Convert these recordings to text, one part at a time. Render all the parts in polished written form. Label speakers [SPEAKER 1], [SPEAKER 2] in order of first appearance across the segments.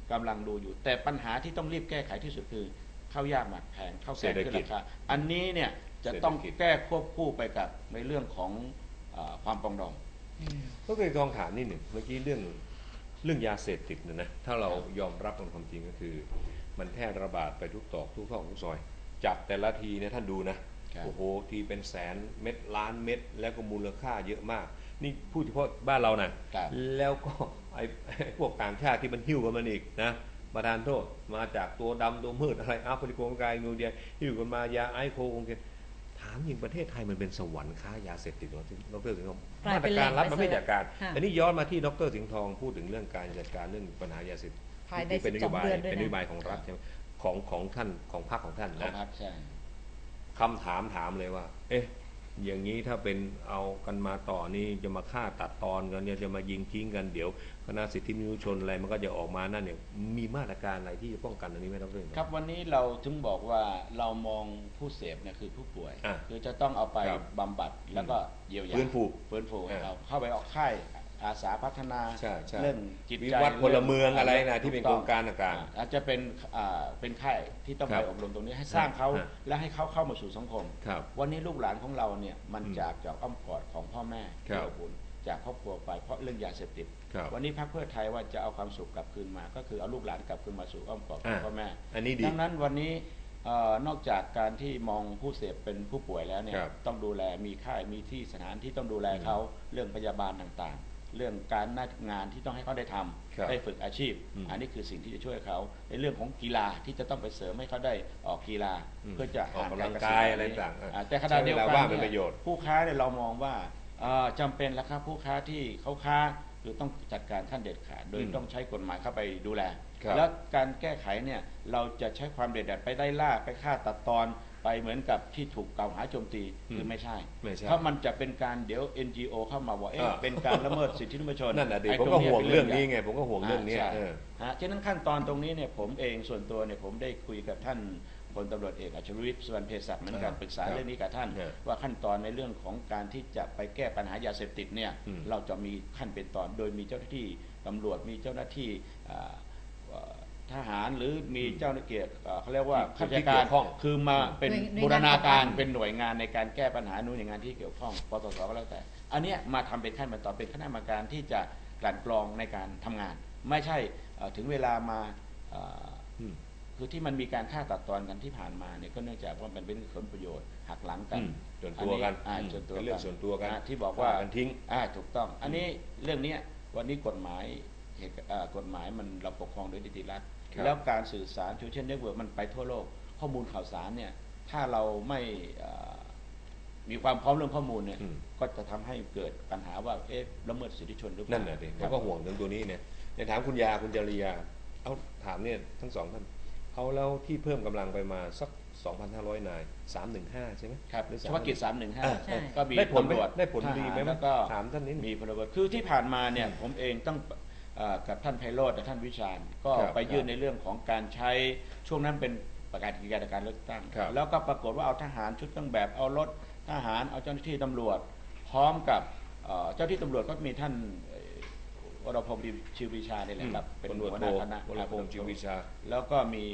[SPEAKER 1] กำลังดูอยู่แต่ปัญหาที่ต้องรีบแก้ไขที่สุดคือข้าวยากหมากแพงข้าวแกงขึ้นราคาอันนี้เนี่ยจะต้องแก้ควบคู่ไปกับในเรื่องของความปรองดอง
[SPEAKER 2] ก็เคยลองถามนิดหนึ่งเมื่อกี้เรื่องยาเสพติดเนี่ยนะถ้าเรายอมรับความจริงก็คือมันแพร่ระบาดไปทุกตอกทุกซอกทุกซอยจับแต่ละทีเนี่ยท่านดูนะโอ้โหทีเป็นแสนเม็ดล้านเม็ดแล้วก็มูลค่าเยอะมากนี่พูดเฉพาะบ้านเรานะแล้วก็ไอ้พวกต่างชาติที่มันหิ้วกันมันอีกนะมาทานโทษมาจากตัวดำตัวมืดอะไรอัฟริกากายนูเดียหิ้วกันมายาไอโคโอเคถามยิงประเทศไทยมันเป็นสวรรค์ค้ายาเสพติดหรอดร.สิงห์ทองมาตรการรัฐมันไม่จัดการอันนี้ย้อนมาที่ดร.สิงห์ทองพูดถึงเรื่องการจัดการเรื่องปัญหายาเสพติดเป็นนโยบายของรัฐใช่ไหมของท่านของพรรคของท่านนะคำถามเลยว่าเอ๊ะอย่างนี้ถ้าเป็นเอากันมาต่อนี่จะมาฆ่าตัดตอนกันเนี่ยจะมายิงทิ้งกันเดี๋ยวคณะสิทธิมนุษยชนอะไรมันก็จะออกมานั่นเนี่ยมีมาตรการอะไรที่จะป้องกันอันนี้ไหมครับเรื่อง
[SPEAKER 1] ครับวันนี้เราถึงบอกว่าเรามองผู้เสพเนี่ยคือผู้ป่วยคือจะต้องเอาไปบำบัดแล้วก็เยียวยาฟื้นฟูให้เขาเข้าไปออกค่ายอาสาพัฒนาเรื่องจิตใจ
[SPEAKER 2] วิวัฒน์พลเมืองอะไรนะที่เป็นโครงการต่าง
[SPEAKER 1] ๆอาจจะเป็นค่ายที่ต้องไปอบรมตรงนี้ให้สร้างเขาและให้เขาเข้ามาสู่สังคมวันนี้ลูกหลานของเราเนี่ยมันจากอ้อมกอดของพ่อแม่ที่อบอุ่นจากครอบครัวไปเพราะเรื่องยาเสพติดวันนี้พรรคเพื่อไทยว่าจะเอาความสุขกลับคืนมาก็คือเอาลูกหลานกลับคืนมาสู่อ้อมกอดของพ่อแม่ดังนั้นวันนี้นอกจากการที่มองผู้เสพเป็นผู้ป่วยแล้วเนี่ยต้องดูแลมีค่ายมีที่สถานที่ต้องดูแลเขาเรื่องพยาบาลต่างๆเรื่องการงานที่ต้องให้เขาได้ทำได้ฝึกอาชีพอันนี้คือสิ่งที่จะช่วยเขาในเรื่องของกีฬาที่จะต้องไปเสริมให้เขาได้ออกกีฬาเพื่อจะ
[SPEAKER 2] ออกกำลังกายอะไรต่าง
[SPEAKER 1] แต่ขณะเดียวกันผู้ค้าเนี่ยเรามองว่าจำเป็นแล้วครับผู้ค้าที่เขาค้าคือต้องจัดการขั้นเด็ดขาดโดยต้องใช้กฎหมายเข้าไปดูแลแล้วการแก้ไขเนี่ยเราจะใช้ความเด็ดเดี่ยวไปไล่ล่าไปฆ่าตัดตอนไปเหมือนกับที่ถูกกล่าวหาโจมตีคือไม่ใช่เพราะมันจะเป็นการเดี๋ยว NGO เข้ามาว่าเป็นการละเมิดสิทธิมนุษยชน
[SPEAKER 2] นั่นแหละดิผมก็ห่วงเรื่องนี้ไงผมก็ห่วงเรื่องนี้
[SPEAKER 1] ฉะนั้นขั้นตอนตรงนี้เนี่ยผมเองส่วนตัวเนี่ยผมได้คุยกับท่านพลตำรวจเอกอัจฉริยะ สุวรรณเภสัชเหมือนกันปรึกษาเรื่องนี้กับท่านว่าขั้นตอนในเรื่องของการที่จะไปแก้ปัญหายาเสพติดเนี่ยเราจะมีขั้นเป็นตอนโดยมีเจ้าหน้าที่ตำรวจมีเจ้าหน้าที่ทหารหรือมีเจ้าหน้าที่เขาเรียกว่าข้าราชการคือมาเป็นบูรณาการเป็นหน่วยงานในการแก้ปัญหาหน่วยงานที่เกี่ยวข้องปตสก็แล้วแต่อันนี้มาทำเป็นขั้นเป็นตอนเป็นคณะกรรมการที่จะกลั่นกรองในการทำงานไม่ใช่ถึงเวลามาคือที่มันมีการฆ่าตัดตอนกันที่ผ่านมาเนี่ยก็เนื่องจากว่ามันเป็นผลประโยชน์หักหลังกัน
[SPEAKER 2] ส่วนตัวกันเป็นเรื่องส่วนตัวกัน
[SPEAKER 1] ที่บอกว่า
[SPEAKER 2] ทิ้ง
[SPEAKER 1] ถูกต้องอันนี้เรื่องนี้วันนี้กฎหมายมันเราปกครองโดยนิติรัฐแล้วการสื่อสารโซเชียลเน็ตเวิร์กมันไปทั่วโลกข้อมูลข่าวสารเนี่ยถ้าเราไม่มีความพร้อมเรื่องข้อมูลเนี่ยก็จะทำให้เกิดปัญหาว่าละเมิดสิทธิชนหรือเปล่า
[SPEAKER 2] นั่นแหละดิผมก็ห่วงเรื่องตัวนี้เนี่ยในถามคุณยาคุณจริยาเอาถามเนี่ยทั้งสองท่านเอาแล้วที่เพิ่มกำลังไปมาสัก 2,500 นาย315ใช่ไหม
[SPEAKER 1] ครับเฉพาะกิจ315ก็มี
[SPEAKER 2] ได้ผลดีไหม
[SPEAKER 1] แล้วก็
[SPEAKER 2] ถามท่านนี้
[SPEAKER 1] มีพลเรือนคือที่ผ่านมาเนี่ยผมเองต้องกับท่านไพโรจน์และท่านวิชาญก็ไปยื่นในเรื่องของการใช้ช่วงนั้นเป็นประกาศกิจการเลือกตั้งแล้วก็ปรากฏว่าเอาทหารชุดเครื่องแบบเอารถทหารเอาเจ้าหน้าที่ตำรวจพร้อมกับเจ้าที่ตำรวจก็มีท่านวรพงศ์ชิววิชาเนี่ยแหละครับเป็นหัวหน้าคณะ
[SPEAKER 2] วรพงศ์ชิววิชา
[SPEAKER 1] แล้วก็มี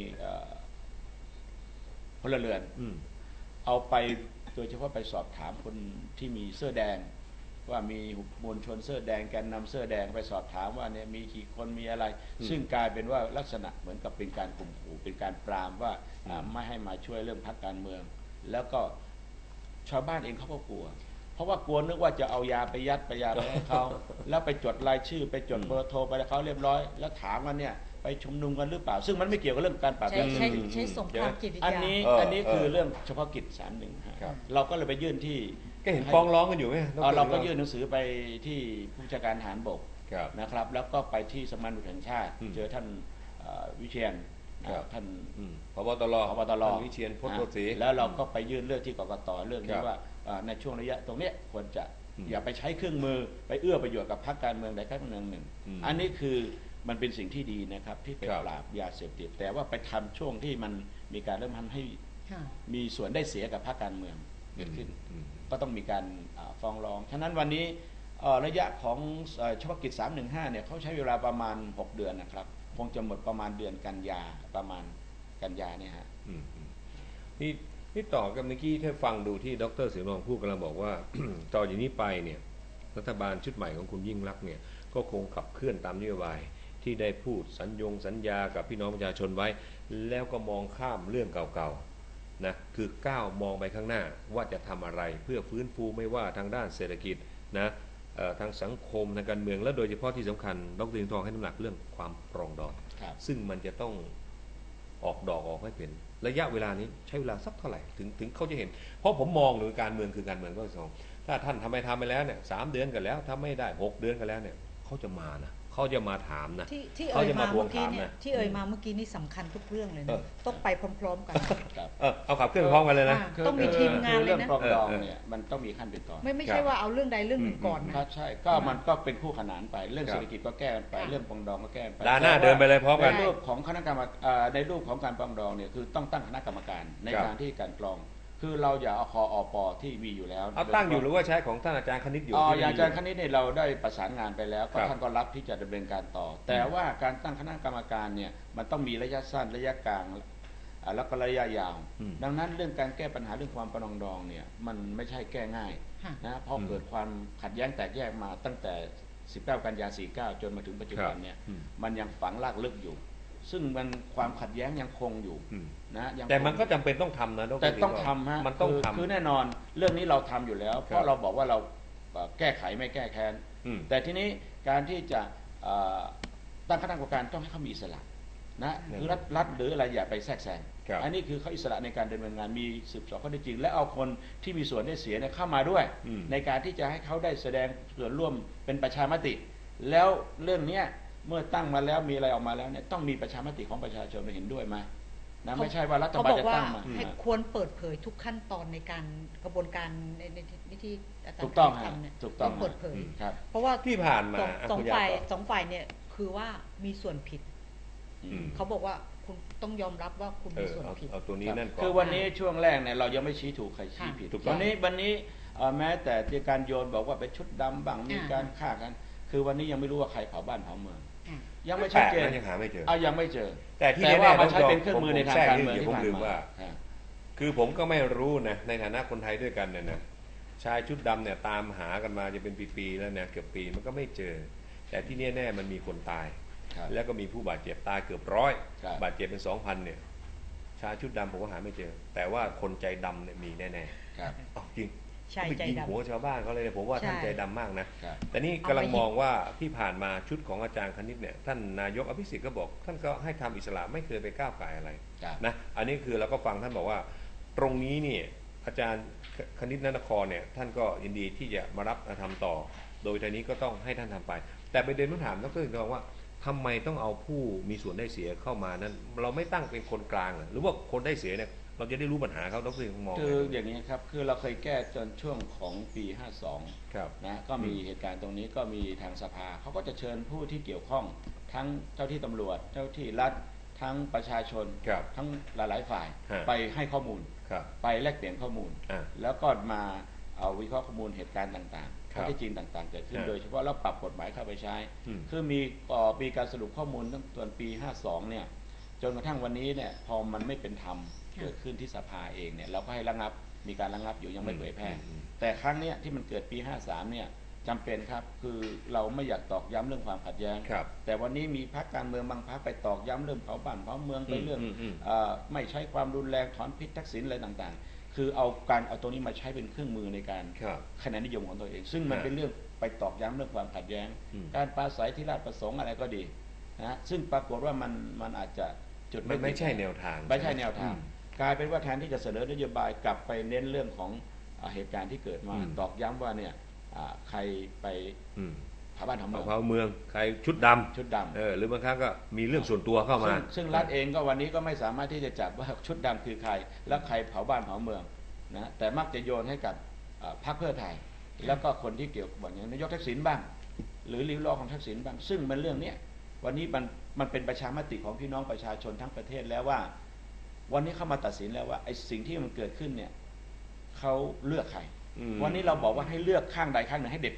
[SPEAKER 1] พลเรือนเอาไปโดยเฉพาะไปสอบถามคนที่มีเสื้อแดงว่ามีมวลชนเสื้อแดงแกนนำเสื้อแดงไปสอบถามว่าเนี่ยมีกี่คนมีอะไรซึ่งกลายเป็นว่าลักษณะเหมือนกับเป็นการข่มขู่เป็นการปรามว่าไม่ให้มาช่วยเรื่องพรรคการเมืองแล้วก็ชาวบ้านเองเขาก็กลัวเพราะว่ากลัวนึกว่าจะเอายาไปยัดไปยาไปให้เขาแล้วไปจดรายชื่อไปจดเบอร์โทรไปให้เขาเรียบร้อยแล้วถามว่าเนี่ยไปชุมนุมกันหรือเปล่าซึ่งมันไม่เกี่ยวกับเรื่องการปราบยาเสพติด
[SPEAKER 3] ใช้สงครามจิตวิทยา
[SPEAKER 1] อันนี้คือเรื่องเฉพาะกิจ315เราก็เลยไปยื่นที่
[SPEAKER 2] ก็เห็นฟ้องร้องกันอยู่ไหม
[SPEAKER 1] เราก็ยื่นหนังสือไปที่ผู้บัญชาการทหารบกนะครับแล้วก็ไปที่สำนักงานตำรวจแห่งชาติเจอท่านวิเชียรท่าน
[SPEAKER 2] ผบ.ตร.วิเชียรพจน์โพสี
[SPEAKER 1] แล้วเราก็ไปยื่นเรื่องที่กกต.เรื่องนี้ว่าในช่วงระยะตรงนี้ควรจะอย่าไปใช้เครื่องมือไปเอื้อประโยชน์กับพรรคการเมืองใดพรรคการเมืองหนึ่งอันนี้คือมันเป็นสิ่งที่ดีนะครับที่ไปปราบยาเสพติดแต่ว่าไปทำช่วงที่มันมีการเริ่มทำให้มีส่วนได้เสียกับพรรคการเมืองเกิดขึ้นก็ต้องมีการฟ้องร้องฉะนั้นวันนี้ระยะของเฉพาะกิจ315เนี่ยเขาใช้เวลาประมาณ6 เดือนนะครับคงจะหมดประมาณเดือนกันยาประมาณกันยาเนี่ยฮะ
[SPEAKER 2] นี่ต่อกับเมื่อกี้ถ้าฟังดูที่ดร.เสรีรองพูดกำลังบอกว่า ต่อจากนี้ไปเนี่ยรัฐบาลชุดใหม่ของคุณยิ่งลักษณ์เนี่ยก็คงขับเคลื่อนตามนโยบายที่ได้พูดสัญญากับพี่น้องประชาชนไว้แล้วก็มองข้ามเรื่องเก่าๆนะคือก้าวมองไปข้างหน้าว่าจะทำอะไรเพื่อฟื้นฟูไม่ว่าทางด้านเศรษฐกิจนะทางสังคมทางการเมืองและโดยเฉพาะที่สำคัญดร.สิงห์ทองให้น้ำหนักเรื่องความปรองดองซึ่งมันจะต้องออกดอกออกให้เป็นระยะเวลานี้ใช้เวลาสักเท่าไหร่ถึงเขาจะเห็นเพราะผมมองหรือการเมืองคือการเมืองก็สองถ้าท่านทำไปแล้วเนี่ย3 เดือนกันแล้วถ้าไม่ได้6 เดือนกันแล้วเนี่ยเขาจะมานะเขาจะมาถามนะ
[SPEAKER 3] ที่เอ่ยมาเมื่อกี้เนี่ยที่เอ่ยมาเมื่อกี้นี่สำคัญทุกเรื่องเลยนะต้องไปพร้อมๆกัน
[SPEAKER 2] เอาขับเคลื่อนพร้อมกันเลยนะ
[SPEAKER 3] ต้องมีทีมงานเลยนะ
[SPEAKER 1] เรื่องปรองดองเนี่ยมันต้องมีขั้นเป็นตอน
[SPEAKER 3] ไม่ใช่ว่าเอาเรื่องใดเรื่องหนึ่งก่อนนะ
[SPEAKER 1] ใช่ก็มันก็เป็นคู่ขนานไปเรื่องเศรษฐกิจก็แก้กันไปเรื่องปรองดองก็แก้ไป
[SPEAKER 2] ด้านหน้าเดินไปเลยพร้อมกัน
[SPEAKER 1] ในรูปของคณะกรรมในรูปของการปรองดองเนี่ยคือต้องตั้งคณะกรรมการในการที่การกรองคือเราอย่าเอาคอปที่มีอยู่แล้ว
[SPEAKER 2] เอาตั้งอยู่หรือว่าใช้ของท่านอาจารย์คณิตอยู่
[SPEAKER 1] อย่างอาจารย์คณิตเนี่ยเราได้ประสานงานไปแล้วก็ท่านก็รับที่จะดำเนินการต่อแต่ว่าการตั้งคณะกรรมการเนี่ยมันต้องมีระยะสั้นระยะกลางแล้วก็ระยะยาวดังนั้นเรื่องการแก้ปัญหาเรื่องความปรองดองเนี่ยมันไม่ใช่แก้ง่ายนะเพราะเกิดความขัดแย้งแตกแยกมาตั้งแต่19 กันยา 49จนมาถึงปัจจุบันเนี่ยมันยังฝังรากลึกอยู่ซึ่งมันความขัดแย้งยังคงอยู่นะ
[SPEAKER 2] แต่มันก็จำเป็นต้องทำนะ
[SPEAKER 1] แต่ต้องทำฮะ
[SPEAKER 2] มันต้องทำ
[SPEAKER 1] คือแน่นอนเรื่องนี้เราทำอยู่แล้วเพราะเราบอกว่าเราแก้ไขไม่แก้แค้นแต่ทีนี้การที่จะตั้งคณะกรรมการต้องให้เขามีอิสระนะคือรัฐหรืออะไรอย่าไปแทรกแซงอันนี้คือเขาอิสระในการดำเนินงานมีสืบสวนข้อเท็จจริงและเอาคนที่มีส่วนได้เสียเข้ามาด้วยในการที่จะให้เขาได้แสดงส่วนร่วมเป็นประชามติแล้วเรื่องนี้เมื่อตั้งมาแล้วมีอะไรออกมาแล้วเนี่ยต้องมีประชามติของประชาชนเห็นด้วยไหมนะไม่ใช่ว่ารัฐบาลจะตั้งมา
[SPEAKER 3] ให้ควรเปิดเผยทุกขั้นตอนในการกระบวนการในที่อาจารย์
[SPEAKER 1] ถูกต้อง
[SPEAKER 3] ทำเนี่ย
[SPEAKER 1] ถูกต้อง
[SPEAKER 3] เปิดเผย
[SPEAKER 2] เพราะว่าที่ผ่านมา
[SPEAKER 3] สองฝ่ายเนี่ยคือว่ามีส่วนผิดเขาบอกว่าคุณต้องยอมรับว่าคุณมีส่วนผิด
[SPEAKER 2] เอาตัวนี้นั่นก่อน
[SPEAKER 1] คือวันนี้ช่วงแรกเนี่ยเรายังไม่ชี้ถูกใครชี้ผิดวันนี้แม้แต่ที่การโยนบอกว่าเป็นชุดดำบ้างมีการฆ่ากันคือวันนี้ยังไม่รู้ว่าใครเผาบ้านเผาเมืองยังไม่ชัดเจน
[SPEAKER 2] ยังหาไม่เจอ
[SPEAKER 1] ยังไม่เจอ
[SPEAKER 2] แต่ที่แน่ๆ
[SPEAKER 1] มันใช้เป็นเครื่องมือในทางการเมืองที่
[SPEAKER 2] ผมลืมว่าคือผมก็ไม่รู้นะในฐานะคนไทยด้วยกันเนี่ยนะชายชุดดำเนี่ยตามหากันมาจะเป็นปีๆแล้วเนี่ยเกือบปีมันก็ไม่เจอแต่ที่แน่ๆมันมีคนตายแล้วก็มีผู้บาดเจ็บตายเกือบ100บาดเจ็บเป็น 2,000 เนี่ยชายชุดดำผมก็หาไม่เจอแต่ว่าคนใจดำเนี่ยมีแน่ๆจริงไปยิงหัวชาวบ้านเขาเลยผมว่าท่านใจดำมากนะแต่นี่กำลังมองว่าที่ผ่านมาชุดของอาจารย์คณิตเนี่ยท่านนายกอภิสิทธิ์ก็บอกท่านก็ให้ทำอิสระไม่เคยไปก้าวไก่อะไรนะอันนี้คือเราก็ฟังท่านบอกว่าตรงนี้เนี่ยอาจารย์คณิตนครเนี่ยท่านก็ยินดีที่จะมารับทำต่อโดยทีนี้ก็ต้องให้ท่านทำไปแต่ประเด็นต้องถามดร.สิงห์ทองว่าทำไมต้องเอาผู้มีส่วนได้เสียเข้ามานั้นเราไม่ตั้งเป็นคนกลางหรือว่าคนได้เสียเนี่ยเราจะได้รู้ปัญหาเขาดร.สิงห์มอง
[SPEAKER 1] คืออย่างนี้ครับคือเราเคยแก้จนช่วงของปี52นะก็มีเหตุการณ์ตรงนี้ก็มีทางสภาเขาก็จะเชิญผู้ที่เกี่ยวข้องทั้งเจ้าที่ตำรวจเจ้าที่รัฐทั้งประชาชนทั้งหลายๆฝ่ายไปให้ข้อมูลไปแลกเปลี่ยนข้อมูลแล้วก็มาเอาวิเคราะห์ข้อมูลเหตุการณ์ต่างๆข้อเท็จจริงต่างๆเกิดขึ้นโดยเฉพาะแล้วปรับกฎหมายเข้าไปใช้คือมีการสรุปข้อมูลตั้งแต่ปี52เนี่ยจนกระทั่งวันนี้เนี่ยพอมันไม่เป็นธรรมเกิดขึ้นที่สภาเองเนี่ยเราก็ให้ระงับมีการระงับอยู่ยังไม่เผยแพร่แต่ครั้งนี้ที่มันเกิดปี53เนี่ยจำเป็นครับคือเราไม่อยากตอกย้ำเรื่องความขัดแย้งแต่วันนี้มีพรรคการเมืองบางพรรคไปตอกย้ำเรื่องเผาบ้านเผาเมืองไปเรื่องไม่ใช้ความรุนแรงถอนพิษทักษิณอะไรต่างๆคือเอาตรงนี้มาใช้เป็นเครื่องมือในการคะแนนนิยมของตัวเองซึ่งมันเป็นเรื่องไปตอกย้ำเรื่องความขัดแย้งการปราศัยที่ราชประสงค์อะไรก็ดีนะซึ่งปรากฏว่ามันอาจจะจุด
[SPEAKER 2] ไม่ใช่แนวทาง
[SPEAKER 1] ไม่ใช่แนวทางกลายเป็นว่าแทนที่จะเสนอนโยบายกลับไปเน้นเรื่องของเหตุการณ์ที่เกิดมาตอกย้ำว่าเนี่ยใครไปเผาบ้านเผา
[SPEAKER 2] เมืองใครชุดดำหรือบางครั้งก็มีเรื่องส่วนตัวเข้ามา
[SPEAKER 1] ซึ่งรัฐเองก็วันนี้ก็ไม่สามารถที่จะจับว่าชุดดำคือใครและใครเผาบ้านเผาเมืองนะแต่มักจะโยนให้กับพรรคเพื่อไทยแล้วก็คนที่เกี่ยวกับอย่างนายกทักษิณบ้างหรือริ้วล้อของทักษิณบ้างซึ่งมันเรื่องนี้วันนี้มันเป็นประชามติของพี่น้องประชาชนทั้งประเทศแล้วว่าวันนี้เขามาตัดสินแล้วว่าไอ้สิ่งที่มันเกิดขึ้นเนี่ยเขาเลือกใครวันนี้เราบอกว่าให้เลือกข้างใดข้างหนึ่งให้เด็ดขาด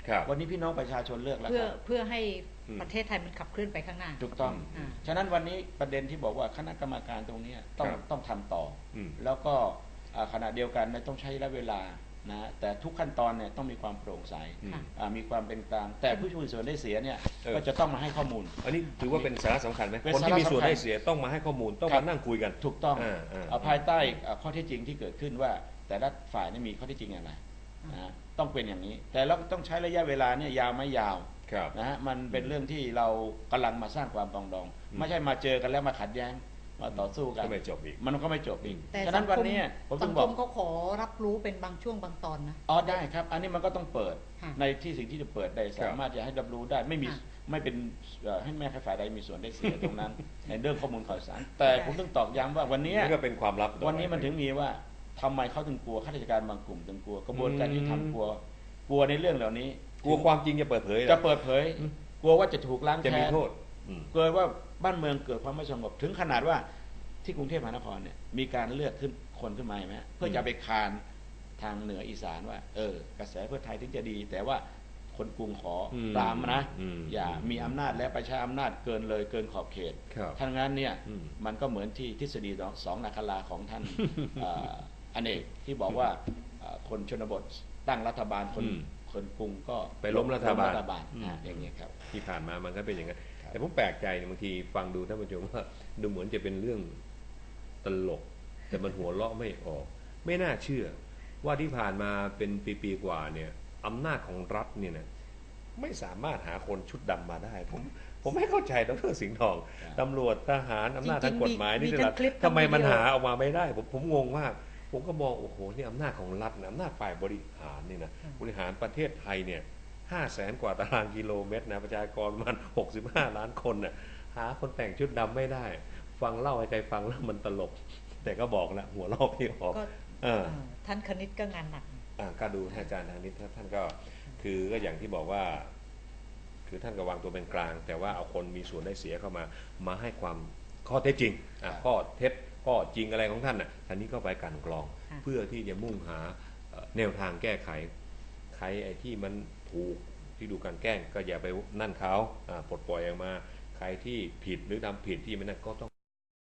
[SPEAKER 2] ครับ
[SPEAKER 1] วันนี้พี่น้องประชาชนเลือกแล้ว
[SPEAKER 3] เพื่อ
[SPEAKER 1] ครับ
[SPEAKER 3] เพื่อให้ประเทศไทยมันขับเคลื่อนไปข้างหน้า
[SPEAKER 1] ถูกต้อง
[SPEAKER 3] อ่า
[SPEAKER 1] ฉะนั้นวันนี้ประเด็นที่บอกว่าคณะกรรมการตรงเนี้ยต้องทำต่ออ
[SPEAKER 2] ม
[SPEAKER 1] แล้วก็ขณะเดียวกันต้องใช้ระยะเวลานะแต่ทุกขั้นตอนเนี่ยต้องมีความโปร่งใส
[SPEAKER 3] ค่ะ
[SPEAKER 1] มีความเป็นกลางแต่ผู้มีส่วนได้เสียเนี่ย
[SPEAKER 2] เออ
[SPEAKER 1] ก็จะต้องมาให้ข้อมูล
[SPEAKER 2] อันนี้ถือว่าเป็นสาระสำคัญไหม
[SPEAKER 1] เป็น
[SPEAKER 2] คนที่มีส่วน
[SPEAKER 1] สาระสำคัญ
[SPEAKER 2] ได้เสียต้องมาให้ข้อมูลต้อง
[SPEAKER 1] ครั
[SPEAKER 2] มา
[SPEAKER 1] บ
[SPEAKER 2] นั่งคุยกัน
[SPEAKER 1] ถูกต้อง ภายใต้
[SPEAKER 2] อ่า
[SPEAKER 1] ข้อเท็จจริงที่เกิดขึ้นว่า แต่ละฝ่ายนี่มีข้อเท็จจริงอะไรนะฮะต้องเป็นอย่างนี้ แต่เราต้องใช้ระยะเวลาเนี่ยยาวไม่ยาว
[SPEAKER 2] ครับ
[SPEAKER 1] นะฮะมันเป็นเรื่องที่เรากำลังมาสร้างความปรองดอง
[SPEAKER 2] อืม
[SPEAKER 1] ไม่ใช่มาเจอกันแล้วมาขัดแย้งมาต่อสู้กัน
[SPEAKER 2] ก็ไม่จบอีก
[SPEAKER 1] มันก็ไม่จบอีก
[SPEAKER 3] แต่
[SPEAKER 1] ฉะนั้นวันนี้ผม
[SPEAKER 3] สั
[SPEAKER 1] ถึ
[SPEAKER 3] ง
[SPEAKER 1] ง
[SPEAKER 3] ค
[SPEAKER 1] บอก
[SPEAKER 3] มเขาขอรับรู้เป็นบางช่วงบางตอนนะ
[SPEAKER 1] อ๋อได้ครับ อันนี้มันก็ต้องเปิด
[SPEAKER 3] ค่ะ
[SPEAKER 1] ในที่สิ่งที่จะเปิดได้สามารถจะให้รับรู้ได้ไม่มี
[SPEAKER 3] ค่ะ
[SPEAKER 1] ไม่เป็นให้แม่ฝ่ายใดมีส่วนได้เสียตรงนั้น ในเรื่องข้อมูลข่าวสาร แต่ผมต้องตอกย้ำว่าวันนี้
[SPEAKER 2] นี่ก็เป็นความลับต่อไป
[SPEAKER 1] วันนี้มันถึงมีว่าทำไมเขาถึงกลัวข้าราชการบางกลุ่มถึงกลัวกระบวนการยุติธรรมกลัวในเรื่องเหล่านี้
[SPEAKER 2] กลัวความจริงจะเปิดเผยเหรอ
[SPEAKER 1] จะเปิดเผย กลัวว่าจะถูกล้าง
[SPEAKER 2] จะมี
[SPEAKER 1] แค้น
[SPEAKER 2] โทษอืม
[SPEAKER 1] เกิดว่าบ้านเมืองเกิดความไม่สงบถึงขนาดว่าที่กรุงเทพมหานครเนี่ยมีการเลือกขึ้นคนขึ้นมาไหมเพื่อจะไปคานทางเหนืออีสานว่า กระแสเพื่อไทยถึงจะดี แต่ว่าคนกรุงขออ
[SPEAKER 2] ม
[SPEAKER 1] ปรามนะ
[SPEAKER 2] อืม
[SPEAKER 1] อย่ามีอำนาจและประชาอำนาจเกินเลยเกินขอบเขต
[SPEAKER 2] ครับ
[SPEAKER 1] ทั้งนั้นเนี่ย
[SPEAKER 2] อืม
[SPEAKER 1] มันก็เหมือนที่ทฤษฎีสองนาคราของท่าน อเนกที่บอกว่าคนชนบทตั้งรัฐบาลคนกรุงก็
[SPEAKER 2] ไปล้มรัฐบาล
[SPEAKER 1] อย่างนี้ยครับ
[SPEAKER 2] ที่ผ่านมามันก็เป็นอย่างนั้น
[SPEAKER 1] ครับ
[SPEAKER 2] แต่ผมแปลกใจเนี่ยบางทีฟังดูท่านผู้ชมว่าดูเหมือนจะเป็นเรื่องตลก แต่มันหัวเราะไม่ออก ไม่น่าเชื่อ ว่าที่ผ่านมาเป็นปีๆกว่าเนี่ยอำนาจของรัฐเนี่ยนะไม่สามารถหาคนชุดดำมาได้ ผมไม่เข้าใจดร.สิงห์ทอง
[SPEAKER 1] ครับ
[SPEAKER 2] ตำรวจทหารอำนาจ
[SPEAKER 3] จริ
[SPEAKER 2] ทาง
[SPEAKER 3] งๆ
[SPEAKER 2] กฎหมาย
[SPEAKER 3] มี
[SPEAKER 2] นี่
[SPEAKER 3] ทั้งคลิป
[SPEAKER 2] ทำไมมัน
[SPEAKER 3] ทั้งวิดีโอ
[SPEAKER 2] หาออกมาไม่ได้ ผมงงมาก ผมก็มองโอ้โหนี่อำนาจของรัฐนะอำนาจฝ่ายบริหารนี่นะบริหารประเทศไทยเนี่ย500,000 กว่าตารางกิโลเมตรนะประชากรประมาณ65 ล้านคนน่ะหาคนแต่งชุดดำไม่ได้ ฟังเล่าให้ใครฟังแล้วมันตลก แต่ก็บอกแล้วหัวเราะไม่ออก
[SPEAKER 3] ก็
[SPEAKER 2] เออ
[SPEAKER 3] ท่านคณิตก็งานหนัก
[SPEAKER 2] ก็ดูอาจารย์ทางนี้ท่านก็คือก็อย่างที่บอกว่า คือท่านก็วางตัวเป็นกลาง แต่ว่าเอาคนมีส่วนได้เสียเข้ามาให้ความข้อเท็จจริงข้อเท็จข้อจริงอะไรของท่านน่ะท่านนี้ก็ไปกลั่นกรอง
[SPEAKER 3] ค่ะ
[SPEAKER 2] เพื่อที่จะมุ่งหาแนวทางแก้ไขใครไอ้ที่มันถูกที่ดูการแกล้งก็อย่าไปนั่นเขาปลดปล่อยออกมาใครที่ผิดหรือทำผิดที่มันนั่นก็ต้อง